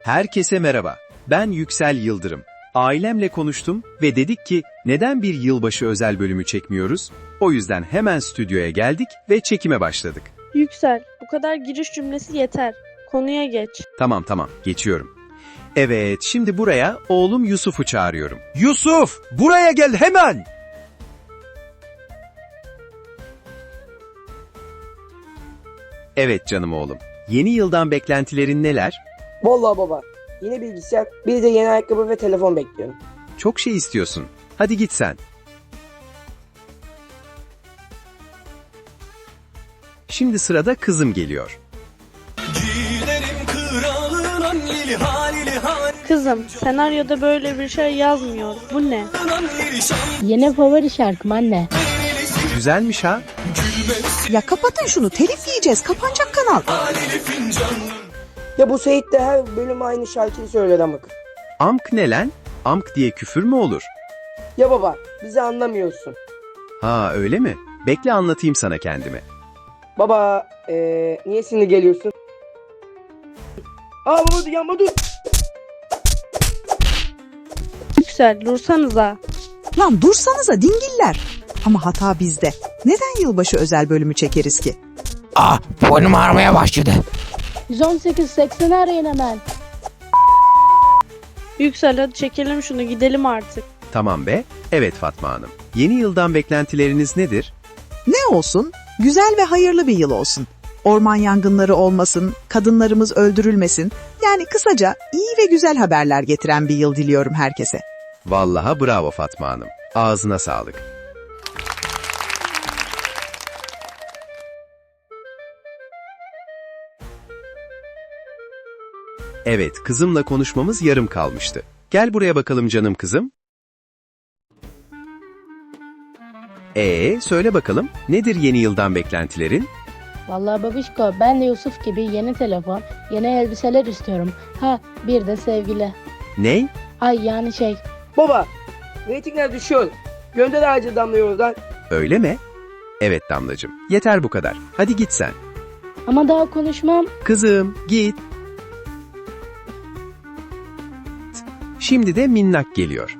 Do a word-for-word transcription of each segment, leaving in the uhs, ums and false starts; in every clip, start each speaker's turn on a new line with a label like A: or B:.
A: Herkese merhaba. Ben Yüksel Yıldırım. Ailemle konuştum ve dedik ki neden bir yılbaşı özel bölümü çekmiyoruz? O yüzden hemen stüdyoya geldik ve çekime başladık.
B: Yüksel, bu kadar giriş cümlesi yeter. Konuya geç.
A: Tamam tamam, geçiyorum. Evet, şimdi buraya oğlum Yusuf'u çağırıyorum.
C: Yusuf, buraya gel hemen.
A: Evet canım oğlum. Yeni yıldan beklentilerin neler?
D: Vallahi baba, yine bilgisayar, bir de yeni ayakkabı ve telefon bekliyorum.
A: Çok şey istiyorsun. Hadi git sen. Şimdi sırada kızım geliyor.
B: Kızım, senaryoda böyle bir şey yazmıyor. Bu ne?
E: Yeni favori şarkım anne.
A: Güzelmiş ha?
F: Ya kapatın şunu, telif yiyeceğiz, kapanacak kanal.
D: Ya bu Seyit de her bölüm aynı şarkıyı söyler amık.
A: Amk ne lan? Amk diye küfür mü olur?
D: Ya baba, bizi anlamıyorsun.
A: Ha öyle mi? Bekle anlatayım sana kendimi.
D: Baba, ee, niye sinirli geliyorsun? Aa baba dur, yanma dur.
B: Yüksel, dursanıza.
F: Lan dursanıza dingiller. Ama hata bizde. Neden yılbaşı özel bölümü çekeriz ki?
G: Ah, boynum ağrımaya başladı.
E: yüz on sekiz seksen arayın hemen.
B: Yüksel, hadi çekelim şunu, gidelim artık.
A: Tamam be. Evet Fatma Hanım. Yeni yıldan beklentileriniz nedir?
F: Ne olsun? Güzel ve hayırlı bir yıl olsun. Orman yangınları olmasın, kadınlarımız öldürülmesin. Yani kısaca iyi ve güzel haberler getiren bir yıl diliyorum herkese.
A: Vallahi bravo Fatma Hanım. Ağzına sağlık. Evet, kızımla konuşmamız yarım kalmıştı. Gel buraya bakalım canım kızım. Ee, söyle bakalım, nedir yeni yıldan beklentilerin?
E: Vallahi babişko, ben de Yusuf gibi yeni telefon, yeni elbiseler istiyorum. Ha, bir de sevgili.
A: Ney?
E: Ay yani şey.
D: Baba, reytingler düşüyor. Gönder ağacı damlıyor oradan.
A: Öyle mi? Evet Damlacığım, yeter bu kadar. Hadi git sen.
E: Ama daha konuşmam.
A: Kızım, git. Şimdi de Minnak geliyor.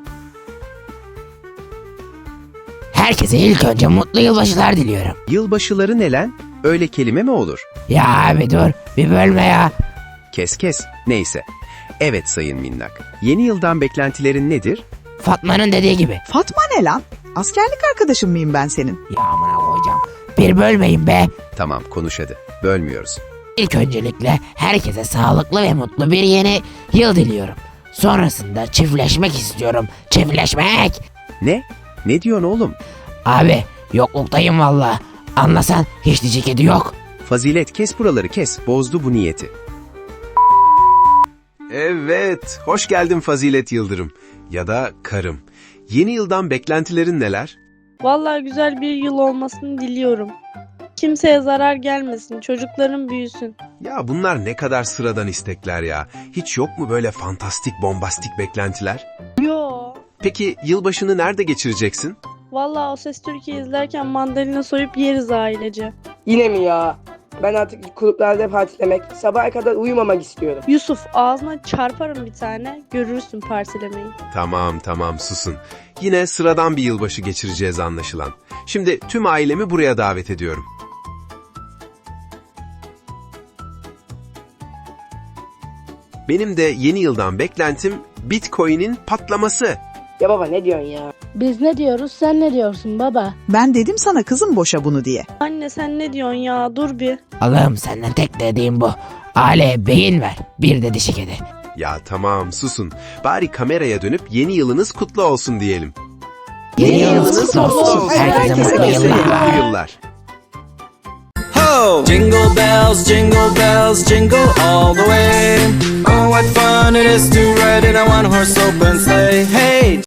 G: Herkese ilk önce mutlu yılbaşılar diliyorum.
A: Yılbaşıları ne lan? Öyle kelime mi olur?
G: Ya abi dur, bir bölme ya.
A: Kes kes, neyse. Evet Sayın Minnak, yeni yıldan beklentilerin nedir?
G: Fatma'nın dediği gibi.
F: Fatma ne lan? Askerlik arkadaşın mıyım ben senin?
G: Ya amına koyacağım. Bir bölmeyin be.
A: Tamam, konuş hadi. Bölmüyoruz.
G: İlk öncelikle herkese sağlıklı ve mutlu bir yeni yıl diliyorum. Sonrasında çiftleşmek istiyorum. Çiftleşmek.
A: Ne? Ne diyorsun oğlum?
G: Abi yokluktayım valla. Anlasan hiç diyecek kedi yok.
A: Fazilet, kes buraları kes. Bozdu bu niyeti. Evet, hoş geldin Fazilet Yıldırım. Ya da karım. Yeni yıldan beklentilerin neler?
B: Vallahi güzel bir yıl olmasını diliyorum. Kimseye zarar gelmesin, çocukların büyüsün.
A: Ya bunlar ne kadar sıradan istekler ya. Hiç yok mu böyle fantastik, bombastik beklentiler?
B: Yo.
A: Peki yılbaşını nerede geçireceksin?
B: Vallahi O Ses Türkiye izlerken mandalina soyup yeriz ailece.
D: Yine mi ya? Ben artık kulüplerde partilemek, sabaha kadar uyumamak istiyorum.
B: Yusuf, ağzına çarparım bir tane, görürsün partilemeyi.
A: Tamam tamam susun. Yine sıradan bir yılbaşı geçireceğiz anlaşılan. Şimdi tüm ailemi buraya davet ediyorum. Benim de yeni yıldan beklentim Bitcoin'in patlaması.
D: Ya baba ne diyorsun ya?
E: Biz ne diyoruz, sen ne diyorsun baba?
F: Ben dedim sana kızım boşa bunu diye.
B: Anne sen ne diyorsun ya, dur bir.
G: Allah'ım senden tek dediğim bu. Aileye beyin ver. Bir de dişi kedi.
A: Ya tamam susun. Bari kameraya dönüp yeni yılınız kutlu olsun diyelim.
G: Yeni yılınız kutlu olsun. Herkese mutlu yıllar.
A: Mutlu yıllar.
C: Ho! Jingle bells, jingle bells, jingle all the way. Oh, what fun it is to ride in a one-horse open sleigh. Hey!